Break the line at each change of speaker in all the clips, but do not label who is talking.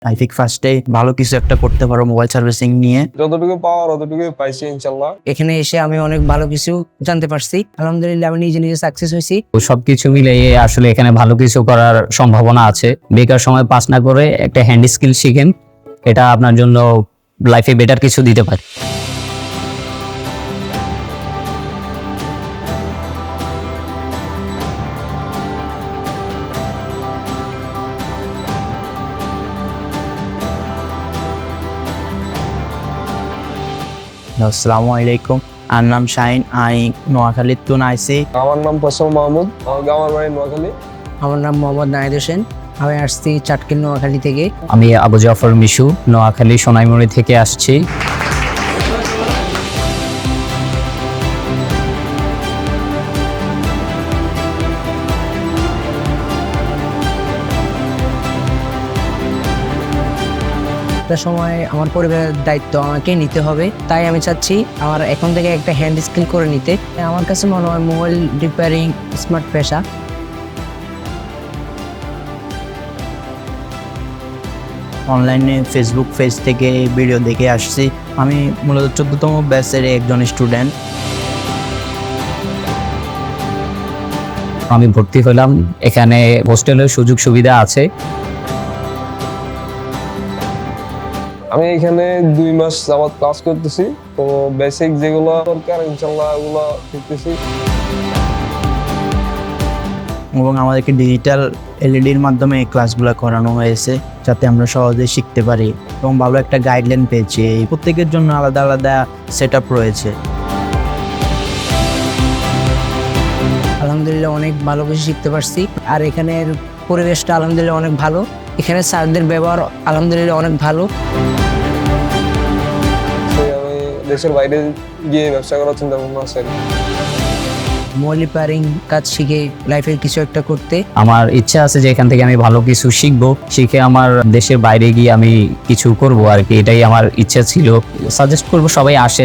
I think ফার্স্টে ভালো কিছু একটা করতে পারো মোবাইল সার্ভিসিং নিয়ে।
যতটুকু পাওয়ার অতটুকু পাইছি ইনশাল্লাহ।
এখানে এসে আমি অনেক ভালো কিছু জানতে পারছি, আলহামদুলিল্লাহ আমি নিজে নিজে সাকসেস হয়েছি।
সবকিছু মিলিয়ে আসলে এখানে ভালো কিছু করার সম্ভাবনা আছে। বেকার সময় পাস না করে একটা হ্যান্ড স্কিল শিখেন, এটা আপনার জন্য লাইফে বেটার কিছু দিতে পারে।
আসসালামু আলাইকুম, আর নাম শাহিন, আই নোয়াখালীর তুন আইসি।
আমার নাম ফসল মাহমুদ, আমার গ্রামের বাড়ি নোয়াখালী।
আমার নাম মোহাম্মদ নাহিদ হোসেন, আমি আসছি চাটকিল নোয়াখালী থেকে।
আমি আবু জাফর মিশু, নোয়াখালী সোনাইমুড়ি থেকে আসছি।
একটা সময় আমার পরিবারের দায়িত্ব আমাকে নিতে হবে, তাই আমি চাচ্ছি আমার এখন থেকে একটা হ্যান্ড স্কিল করে নিতে। আমার কাছে মনে হয় মোবাইল রিপেয়ারিং স্মার্ট পেশা।
অনলাইনে ফেসবুক পেজ থেকে ভিডিও দেখে আসছি। আমি মূলত 14তম ব্যাচের একজন স্টুডেন্ট।
আমি ভর্তি হলাম, এখানে হোস্টেলের সুযোগ সুবিধা আছে।
আমি এখানে 2 মাস যাবত ক্লাস করতেছি, তো বেসিক যেগুলো দরকার ইনশাল্লাহ ওগুলো শিখতেছি।
এবং আমাদেরকে ডিজিটাল এলইডির মাধ্যমে এই ক্লাসগুলো করানো হয়েছে, যাতে আমরা সহজে শিখতে পারি এবং ভালো একটা গাইডলাইন পেয়েছি। এই প্রত্যেকের জন্য আলাদা আলাদা সেট আপ রয়েছে।
আলহামদুলিল্লাহ অনেক ভালো কিছু শিখতে পারছি। আর এখানের পরিবেশটা আলহামদুলিল্লাহ অনেক ভালো, এখানে স্যারদের ব্যবহার আলহামদুলিল্লাহ অনেক ভালো।
তো আমি দেশের বাইরে গিয়ে ব্যবসা করার চিন্তা ভাবনা আছে।
মোবাইল রিপেয়ারিং কাজ শিখে লাইফে কিছু একটা করতে
আমার ইচ্ছা আছে যে এখান থেকে আমি ভালো কিছু শিখবো, শিখে আমার দেশের বাইরে গিয়ে আমি কিছু করব আর কি, এটাই আমার ইচ্ছা ছিল। সাজেস্ট করবো সবাই আসেন।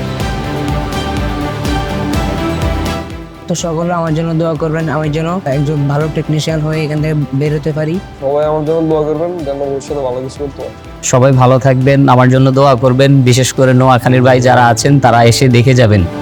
তো সকলে আমার জন্য দোয়া করবেন, আমি যেন একজন ভালো টেকনিশিয়ান হয়ে এখান থেকে বের হতে পারি।
সবাই আমার জন্য দোয়া করবেন যেন ভবিষ্যতে ভালো কিছু করতে পারি।
সবাই ভালো থাকবেন, আমার জন্য দোয়া করবেন। বিশেষ করে নোয়াখালীর ভাই যারা আছেন তারা এসে দেখে যাবেন।